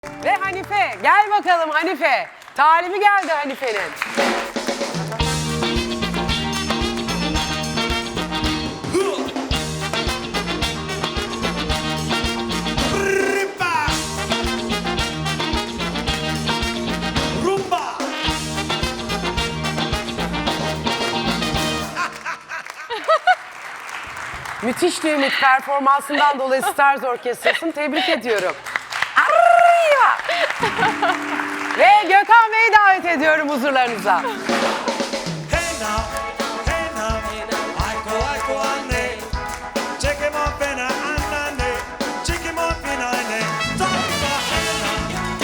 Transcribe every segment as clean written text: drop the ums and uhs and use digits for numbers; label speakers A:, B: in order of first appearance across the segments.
A: Ve Hanife. Gel bakalım Hanife. Talibi geldi Hanife'nin.
B: Ripa! Rumba!
A: Müthiş bir ümit performansından dolayı Stars Orkestrası'nı tebrik ediyorum. Arriba! Ve Gökhan Bey'i davet ediyorum huzurlarınıza.
B: Hey now, hey now, aiko ane, check him up in a anane, check him up in a ane. Tonka, hey now,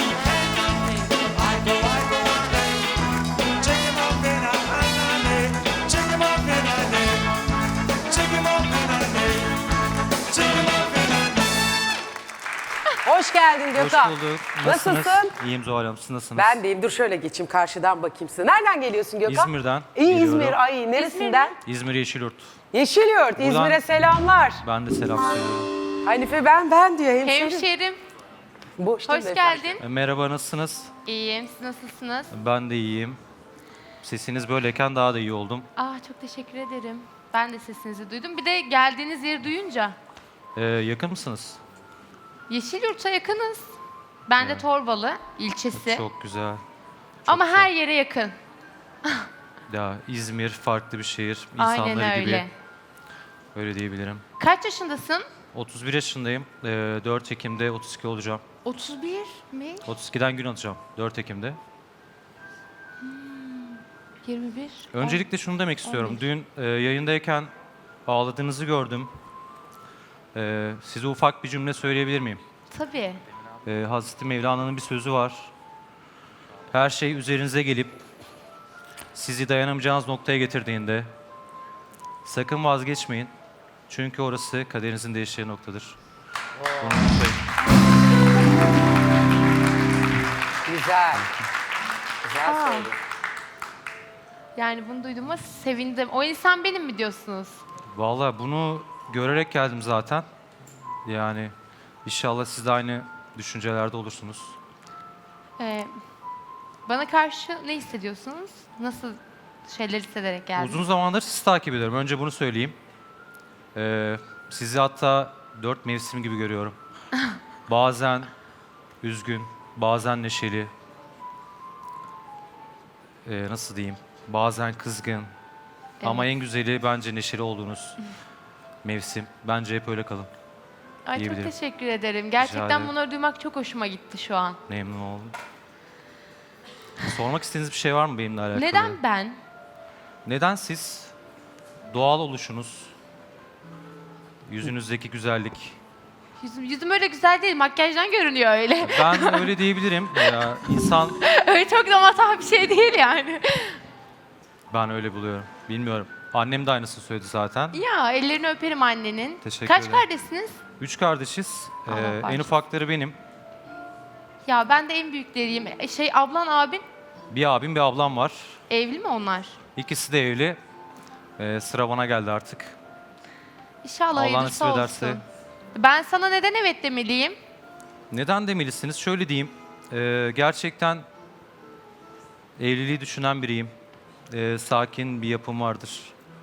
B: aiko ane, check him up in a anane, check him up in a ane, check him up in a ane, check him up in a ane.
A: Hoş geldin Gökhan.
C: Hoş bulduk.
A: Nasılsın?
C: İyiyim Zuhal Hanım. Siz nasılsınız?
A: Ben deyim. Dur şöyle geçeyim karşıdan bakayım size. Nereden geliyorsun Gökhan?
C: İzmir'den
A: İyi
C: geliyorum.
A: İzmir. Ay neresinden?
C: İzmir Yeşilyurt.
A: Yeşilyurt.
C: Buradan-
A: İzmir'e selamlar.
C: Ben de selam söylüyorum.
A: Hanife ben diyor. Hemşerim.
D: Hemşerim,
A: Boş değil
D: hoş
A: beyefendi.
D: geldin.
C: Merhaba, nasılsınız?
D: İyiyim, siz nasılsınız?
C: Ben de iyiyim. Sesiniz böyleyken daha da iyi oldum.
D: Çok teşekkür ederim. Ben de sesinizi duydum. Bir de geldiğiniz yeri duyunca.
C: Yakın mısınız?
D: Yeşilyurt'a yakınız. Ben de
C: Evet.
D: Torbalı ilçesi.
C: Çok güzel.
D: Ama
C: güzel.
D: her yere yakın.
C: Ya İzmir farklı bir şehir.
D: Aynen
C: İnsanları
D: öyle.
C: gibi. Öyle diyebilirim.
D: Kaç yaşındasın?
C: 31 yaşındayım. 4 Ekim'de 32 olacağım.
D: 31 mi?
C: 32'den gün atacağım. 4 Ekim'de.
D: 21?
C: Öncelikle şunu demek istiyorum.
D: 11.
C: Dün yayındayken ağladığınızı gördüm. Size ufak bir cümle söyleyebilir miyim?
D: Tabii.
C: Hazreti Mevlana'nın bir sözü var. Her şey üzerinize gelip sizi dayanamayacağınız noktaya getirdiğinde sakın vazgeçmeyin. Çünkü orası kaderinizin değişeceği noktadır. Bunu unutmayın.
A: Güzel. Güzel söyledin.
D: Yani bunu duyduğuma sevindim. O insan benim mi diyorsunuz?
C: Vallahi bunu görerek geldim zaten. Yani inşallah siz de aynı düşüncelerde olursunuz.
D: Bana karşı ne hissediyorsunuz? Nasıl şeyler hissederek geldiniz?
C: Uzun zamandır sizi takip ediyorum. Önce bunu söyleyeyim. Sizi hatta 4 mevsim gibi görüyorum. Bazen üzgün, bazen neşeli. Nasıl diyeyim? Bazen kızgın. Ama en güzeli bence neşeli olduğunuz mevsim. Bence hep öyle kalın.
D: Ay çok
C: diyebilirim.
D: teşekkür ederim.
C: ederim.
D: Gerçekten bunları duymak çok hoşuma gitti şu an.
C: Memnun oldum. Sormak istediğiniz bir şey var mı benimle alakalı?
D: Neden ben?
C: Neden siz? Doğal oluşunuz, yüzünüzdeki güzellik.
D: Yüzüm öyle güzel değil, makyajdan görünüyor öyle.
C: Ben öyle diyebilirim. Ya, insan
D: Öyle çok da matah bir şey değil yani.
C: ben öyle buluyorum. Bilmiyorum. Annem de aynısını söyledi zaten.
D: Ya ellerini öperim annenin.
C: Teşekkür
D: Kaç
C: ederim.
D: kardeşsiniz?
C: 3 kardeşiz.
D: Allah
C: En
D: bağışlasın.
C: ufakları benim.
D: Ya ben de en büyükleriyim. Ablan abin
C: Bir abim bir ablam var.
D: evli mi onlar?
C: İkisi de evli. Sıra bana geldi artık.
D: İnşallah
C: Allah
D: hayırlısı
C: nasip
D: olsun.
C: ederse.
D: Ben sana neden evet demeliyim?
C: Neden demelisiniz? Şöyle diyeyim. Gerçekten evliliği düşünen biriyim. Sakin bir yapım vardır.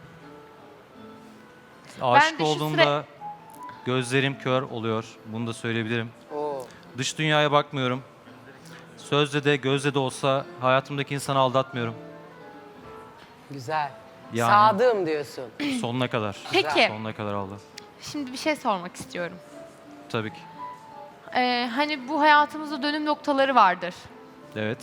C: Aşık
D: de şu
C: olduğumda gözlerim kör oluyor. Bunu da söyleyebilirim.
A: Oo.
C: Dış dünyaya bakmıyorum. Sözde de gözde de olsa hayatımdaki insanı aldatmıyorum.
A: Güzel.
C: Yani-
A: Sadığım diyorsun.
C: Sonuna kadar.
D: Peki,
C: Sonuna kadar aldı.
D: şimdi bir şey sormak istiyorum.
C: Tabii ki.
D: Hani bu hayatımızda dönüm noktaları vardır.
C: Evet.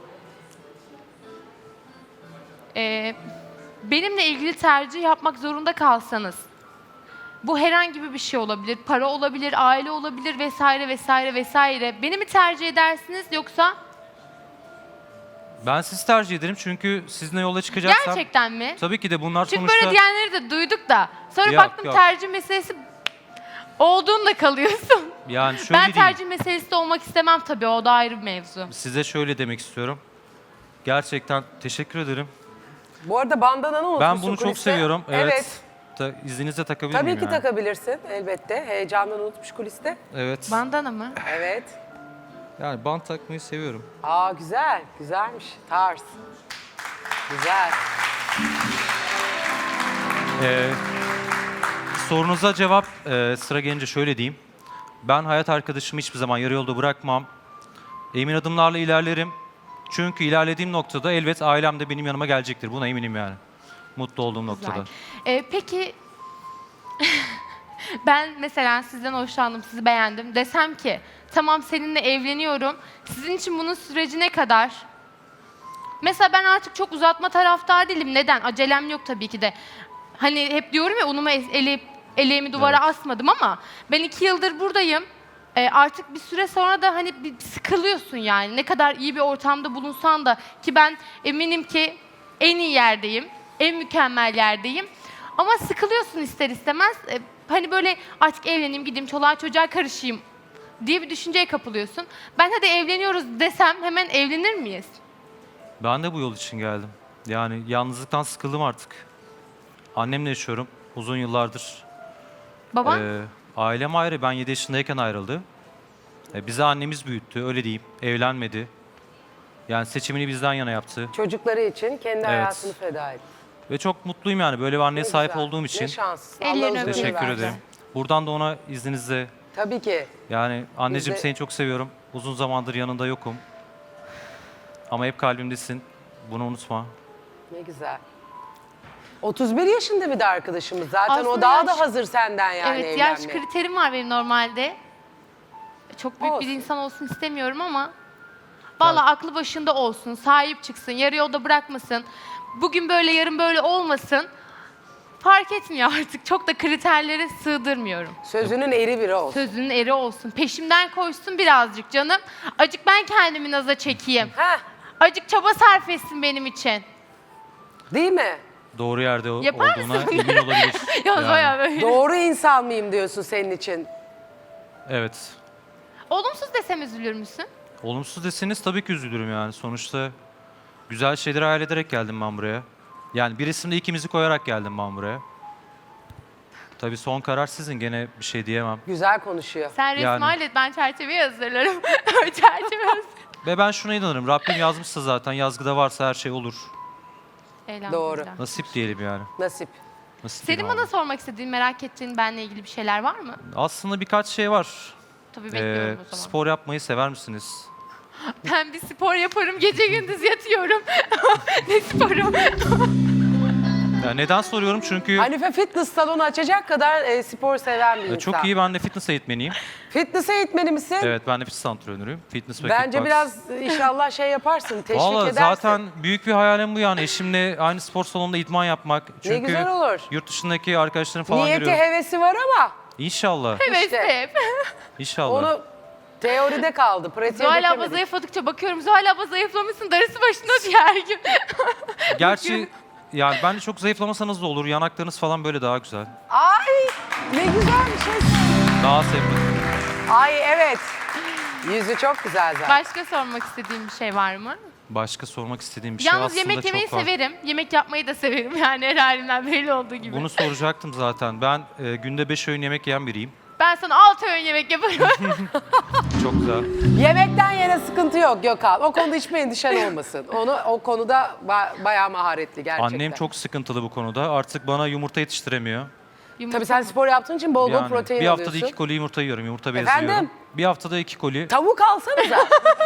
D: Benimle ilgili tercih yapmak zorunda kalsanız, bu herhangi bir şey olabilir, para olabilir, aile olabilir vesaire vesaire vesaire. Beni mi tercih edersiniz yoksa
C: Ben sizi tercih ederim çünkü sizinle yola çıkacaksam...
D: gerçekten mi?
C: Tabii ki de bunlar
D: Çünkü
C: sonuçta...
D: böyle diyenleri de duyduk da sonra
C: Yok,
D: baktım
C: yok.
D: tercih meselesi olduğunda kalıyorsun.
C: Yani şöyle
D: Ben
C: diyeyim.
D: tercih meselesi de olmak istemem tabii, o da ayrı bir mevzu.
C: Size şöyle demek istiyorum. Gerçekten teşekkür ederim.
A: Bu arada bandananı unutmuşsun
C: Ben bunu çok
A: kuliste.
C: seviyorum.
A: Evet.
C: İzninizle takabilir
A: Tabii
C: miyim
A: ki
C: yani?
A: takabilirsin elbette. Heyecandan unutmuş kuliste.
C: Evet.
D: Bandana mı?
A: Evet.
C: Yani bant takmayı seviyorum.
A: Aa güzel, güzelmiş. Tarz. Güzel.
C: Sorunuza cevap sıra gelince şöyle diyeyim. Ben hayat arkadaşımı hiçbir zaman yarı yolda bırakmam. Emin adımlarla ilerlerim. Çünkü ilerlediğim noktada elbet ailem de benim yanıma gelecektir. Buna eminim yani. Mutlu olduğum noktada.
D: Peki ben mesela sizden hoşlandım, sizi beğendim. Desem ki tamam seninle evleniyorum. Sizin için bunun süreci ne kadar? Mesela ben artık çok uzatma taraftar değilim. Neden? Acelem yok tabii ki de. Hani hep diyorum ya unumu eleğimi duvara asmadım ama ben 2 yıldır buradayım. Artık bir süre sonra da hani bir sıkılıyorsun yani. Ne kadar iyi bir ortamda bulunsan da ki ben eminim ki en iyi yerdeyim, en mükemmel yerdeyim. Ama sıkılıyorsun ister istemez. Hani böyle artık evleneyim, gideyim, çoluğa çocuğa karışayım diye bir düşünceye kapılıyorsun. Ben hadi evleniyoruz desem hemen evlenir miyiz?
C: Ben de bu yol için geldim. Yani yalnızlıktan sıkıldım artık. Annemle yaşıyorum uzun yıllardır.
D: Baban?
C: Ailem ayrı. Ben 7 yaşındayken ayrıldı. Bizi annemiz büyüttü, öyle diyeyim. Evlenmedi. Yani seçimini bizden yana yaptı.
A: Çocukları için kendi hayatını feda etti.
C: Ve çok mutluyum yani böyle bir anneye
A: Ne
C: sahip
A: güzel,
C: olduğum için.
A: Ne şanslısın.
D: Ellerini
A: Allah uzun ömür
C: Teşekkür
A: versin.
C: ederim. Buradan da ona izninizle
A: Tabii ki.
C: yani anneciğim
A: Biz de-
C: seni çok seviyorum. Uzun zamandır yanında yokum. Ama hep kalbimdesin. Bunu unutma.
A: Ne güzel. 31 yaşında bir de arkadaşımız zaten. O
D: Aslında
A: daha
D: yaş-
A: da hazır senden yani
D: Evet,
A: evlenmeye.
D: yaş kriterim var benim normalde. Çok büyük
A: Olsun.
D: bir insan olsun istemiyorum ama vallahi aklı başında olsun, sahip çıksın, yarı yolda bırakmasın. Bugün böyle, yarın böyle olmasın. Fark etmiyor artık. Çok da kriterlere sığdırmıyorum.
A: Sözünün eri biri olsun.
D: Sözünün eri olsun. Peşimden koşsun birazcık canım. Acık ben kendimi naza çekeyim.
A: Heh,
D: Acık çaba sarf etsin benim için.
A: değil mi?
C: Doğru yerde
D: Yapar
C: olduğuna
D: mısın?
C: emin olabilir.
D: Ya
C: Yani,
D: bayağı böyle.
A: Doğru insan mıyım diyorsun senin için?
C: evet.
D: Olumsuz desem üzülür müsün?
C: Olumsuz deseniz tabii ki üzülürüm yani. Sonuçta güzel şeyleri hayal ederek geldim ben buraya. Yani bir isimde ikimizi koyarak geldim ben buraya. Tabii son karar sizin, gene bir şey diyemem.
A: Güzel konuşuyor.
D: Sen resmi
C: Yani.
D: hallet, ben çerçeveyi hazırlarım. Çerçeve hazır.
C: Ve ben şuna inanırım. Rabbim yazmışsa zaten, yazgıda varsa her şey olur.
D: Elhamdülillah.
A: Doğru.
C: Nasip diyelim yani.
A: Nasip.
C: Nasip
D: Senin
C: diyelim
D: bana
C: abi.
D: sormak istediğin, merak ettiğin benle ilgili bir şeyler var mı?
C: Aslında birkaç şey var.
D: Tabii bekliyorum o zaman.
C: Spor yapmayı sever misiniz?
D: Ben bir spor yaparım, gece gündüz yatıyorum. Ne sporu?
C: Yani neden soruyorum? Çünkü
A: Hanife fitness salonu açacak kadar spor seven bir insan.
C: çok iyi, ben de fitness eğitmeniyim.
A: Fitness eğitmeni misin?
C: Evet, ben de fitness antrenörüyüm. Fitness ve
A: Bence
C: kickbox.
A: biraz inşallah şey yaparsın, teşvik
C: Vallahi
A: edersin.
C: zaten büyük bir hayalim bu yani. Eşimle aynı spor salonunda idman yapmak. Çünkü
A: güzel olur.
C: yurt dışındaki arkadaşlarım falan
A: Niyeti,
C: görüyorum.
A: hevesi var ama
C: İnşallah.
D: Evet
A: İşte.
D: hep.
C: İnşallah.
A: onu teoride kaldı, pratiğe
D: Zuhal abla
A: dökemedi.
D: zayıfladıkça bakıyorum. Zuhal abla zayıflamışsın, darısı başına diye her gün.
C: Gerçi yani bence çok zayıflamasanız da olur. Yanaklarınız falan böyle daha güzel.
A: Ay ne güzel bir şey.
C: Daha sevdim.
A: Ay evet. Yüzü çok güzel zaten.
D: Başka sormak istediğin bir şey var mı?
C: Başka sormak istediğim bir şey
D: Yalnız
C: aslında
D: yemek yemeyi
C: çok var.
D: severim. Yemek yapmayı da severim yani her halimden belli olduğu gibi.
C: Bunu soracaktım zaten. Ben günde 5 öğün yemek yiyen biriyim.
D: Ben sana 6 öğün yemek yaparım.
C: Çok güzel.
A: Yemekten yine sıkıntı yok Gökhan. O konuda hiçbir endişen olmasın. O konuda bayağı maharetli gerçekten.
C: Annem çok sıkıntılı bu konuda. Artık bana yumurta yetiştiremiyor.
A: Tabii sen spor yaptığın için bol bol
C: Yani
A: protein
C: bir haftada
A: alıyorsun.
C: 2 koli yumurta yiyorum. Yumurta bezi
A: Efendim?
C: yiyorum. Bir haftada 2 koli.
A: Tavuk alsanıza.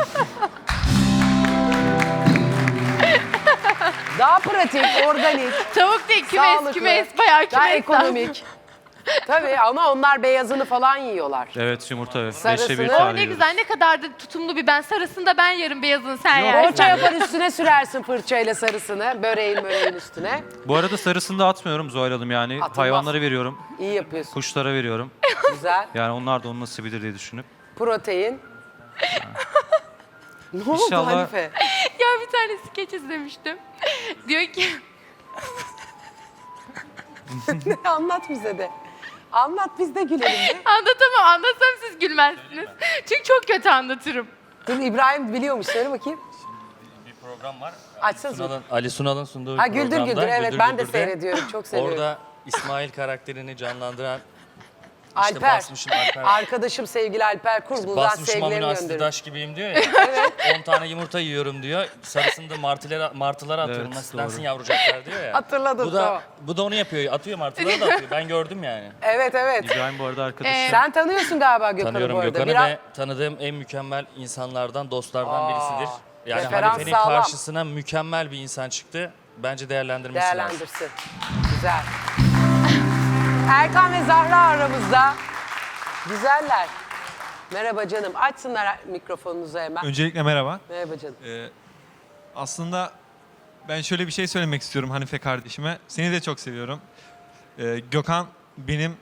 A: Daha pratik, organik,
D: Tavuk değil,
A: sağlıklı,
D: kümes, bayağı kümes.
A: daha ekonomik. Tabii ama onlar beyazını falan yiyorlar.
C: Evet, yumurta 5'te
A: Sarısını-
C: 1
A: O
D: Oh
C: tane
D: ne
C: yiyoruz.
D: güzel, ne kadar da tutumlu bir ben. Sarısını da ben yarım, beyazını sen
C: Yok,
D: yersin.
A: Poğaça yapar üstüne sürersin fırçayla sarısını, böreğin üstüne.
C: Bu arada sarısını da atmıyorum Zuhal Hanım yani.
A: Atılmaz.
C: Hayvanlara veriyorum,
A: İyi yapıyorsun.
C: kuşlara veriyorum.
A: Güzel.
C: Yani onlar da onun nasibidir diye düşünüp.
A: Protein. Ne oldu
C: İnşallah-
A: Hanife?
D: Ya bir tane skeç izlemiştim. Diyor ki
A: Anlat bize de. Anlat biz de gülelim de.
D: anlatamam, anlatsam siz gülmezsiniz. Çünkü çok kötü anlatırım.
A: Dur İbrahim biliyormuş söyle bakayım.
E: Bir program var.
A: Açsanız mı?
E: Ali Sunal'ın sunduğu bir
A: Ha Güldür
E: programda.
A: Güldür evet
E: Güldür
A: ben de
E: Güldür'de
A: seyrediyorum çok seviyorum.
E: Orada İsmail karakterini canlandıran
A: Alper.
E: basmışım Alper.
A: Arkadaşım sevgili Alper Kur. Buradan
E: Basmışım amino
A: sevgilerimi
E: asidi
A: gönderiyorum.
E: taş gibiyim diyor ya. 10 tane yumurta yiyorum diyor. Sarısını da martılara atıyorum.
C: Evet,
E: Nasıl
C: doğru.
E: densin yavrucaklar diyor ya.
A: Hatırladım,
E: Bu da,
A: tamam.
E: bu da onu yapıyor. Atıyor martılara da atıyor. Ben gördüm yani.
A: Evet evet.
C: İbrahim bu arada arkadaşım.
A: Sen tanıyorsun galiba Gökhan'ı
E: Tanıyorum
A: bu arada.
E: Gökhan'ı
A: Biraz-
E: ve tanıdığım en mükemmel insanlardan, dostlardan birisidir. Yani
A: referans
E: Halife'nin
A: sağlam.
E: karşısına mükemmel bir insan çıktı. Bence değerlendirmesi lazım.
A: Değerlendirsin. Güzel. Erkan ve Zahra aramızda. Güzeller. Merhaba canım. Açsınlar mikrofonunuzu hemen.
F: Öncelikle merhaba.
A: Merhaba canım.
F: Aslında ben şöyle bir şey söylemek istiyorum Hanife kardeşime. Seni de çok seviyorum. Gökhan benim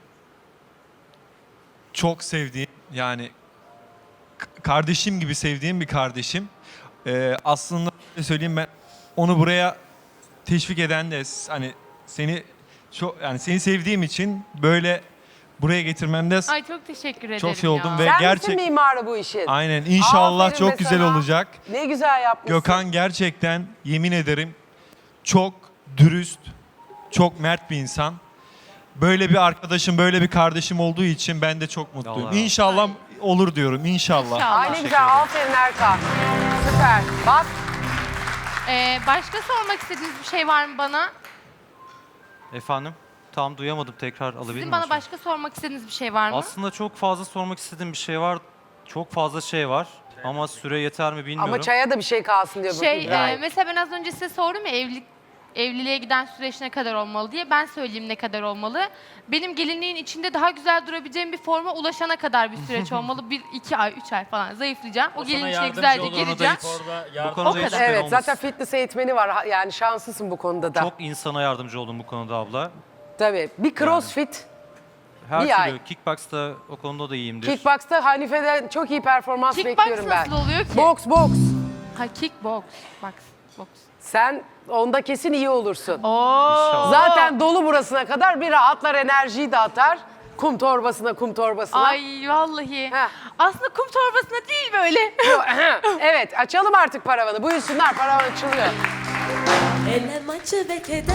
F: çok sevdiğim, yani kardeşim gibi sevdiğim bir kardeşim. Aslında şöyle söyleyeyim, ben onu buraya teşvik eden de hani seni sevdiğim için böyle buraya getirmemde
D: Ay çok teşekkür ederim
F: çok şey oldum
D: ya.
F: ve
A: Sen
F: gerçek
A: misin mimarı bu işin?
F: aynen inşallah
A: Aferin
F: çok
A: be
F: güzel
A: sana.
F: olacak.
A: Ne güzel yapmışsın.
F: Gökhan gerçekten yemin ederim çok dürüst, çok mert bir insan. Böyle bir arkadaşım, böyle bir kardeşim olduğu için ben de çok mutluyum.
C: Allah.
F: İnşallah olur diyorum, inşallah.
D: İnşallah.
A: Ay ne güzel. Aferin Erkan. Süper. Bak.
D: Başka sormak istediğiniz bir şey var mı bana?
C: Efendim? Tam duyamadım, tekrar alabilir
D: Sizin
C: miyim?
D: bana
C: lütfen?
D: başka sormak istediğiniz bir şey var mı?
C: Aslında çok fazla sormak istediğim bir şey var. Çok fazla şey var. Ama süre yeter mi bilmiyorum.
A: Ama çaya da bir şey kalsın diyor bu İbrahim.
D: Mesela ben az önce size sordum ya evliliğe giden süreç ne kadar olmalı diye. Ben söyleyeyim ne kadar olmalı. Benim gelinliğin içinde daha güzel durabileceğim bir forma ulaşana kadar bir süreç olmalı. 2 ay, 3 ay falan zayıflayacağım. O
E: sana
D: gelin içine
E: yardımcı
D: güzelce
E: olur,
D: gireceğim.
E: Orada
C: Bu
E: yardım-
C: konuda
D: O
C: hiç
D: kadar.
C: şüphen
A: Evet
C: olmasın.
A: zaten fitness eğitmeni var. Yani şanslısın bu konuda da.
C: Çok insana yardımcı oldum bu konuda abla.
A: Tabii. Bir crossfit.
C: Her
A: Bir ay.
C: türlü kickbox'ta o konuda da iyiyimdir.
A: Kickbox'ta Hanife'den çok iyi performans
D: Kickbox
A: bekliyorum ben.
D: nasıl oluyor ki?
A: Boks.
D: Ha kickbox. Box.
A: Sen onda kesin iyi olursun.
D: Oo.
A: Zaten dolu burasına kadar bir rahatlar, enerjiyi de atar. Kum torbasına.
D: Ay vallahi.
A: Heh.
D: Aslında kum torbasına değil böyle.
A: Evet açalım artık paravanı. Buyursunlar, paravan açılıyor.
G: Elem acı ve keder,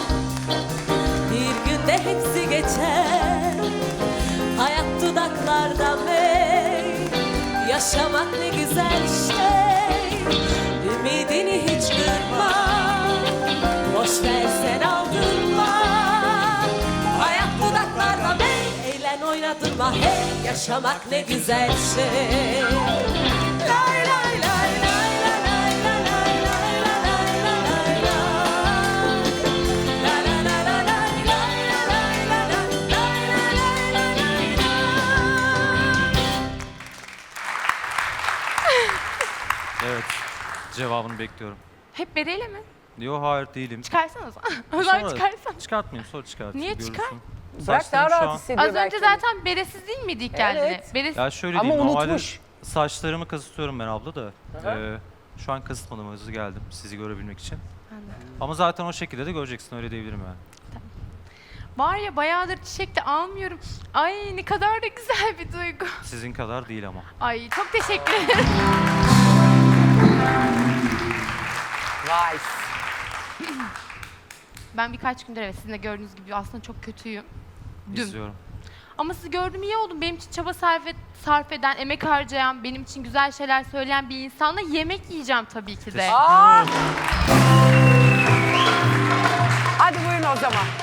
G: bir günde hepsi geçer. Hayat dudaklarda mey, yaşamak ne güzel şey. Ümidini hiç kırma, boş ver sen aldırma. Hayat dudaklarda mey, eğlen oynatırma hey. Yaşamak ne güzel şey. Lay lay lay lay lay lay lay lay lay lay lay lay. La la la la la la la la la la
C: Evet. Cevabını bekliyorum.
D: Hep bereyle mi?
C: Yok hayır değilim.
D: Çıkarsana o zaman. O zaman çıkarsana.
C: Çıkartmayayım, sonra çıkartayım.
D: Niye
C: görürsün.
D: çıkar?
A: Bırak
C: Saçlarım
A: daha
C: şu
A: rahat
C: an-
A: hissediyor
D: Az
A: belki.
D: önce zaten beresiz değil miydi ilk geldiğinde?
A: Evet.
D: Beresiz.
C: Ya şöyle
A: Ama
C: diyeyim, normalde
A: unutmuş.
C: saçlarımı kazıtıyorum ben abla da. Şu an kazıtmadım, hızlı geldim sizi görebilmek için. Ama zaten o şekilde de göreceksin, öyle diyebilirim yani.
D: Var ya bayağıdır çiçek de almıyorum. Ay ne kadar da güzel bir duygu.
C: Sizin kadar değil ama.
D: Ay çok teşekkür ederim.
A: Vay.
D: Ben birkaç gündür evet sizin de gördüğünüz gibi aslında çok kötüyüm. Dün.
C: İzliyorum.
D: Ama sizi gördüm iyi oldum. Benim için çaba sarf eden, emek harcayan, benim için güzel şeyler söyleyen bir insanla yemek yiyeceğim tabii ki de.
A: Aa! Hadi buyurun o zaman.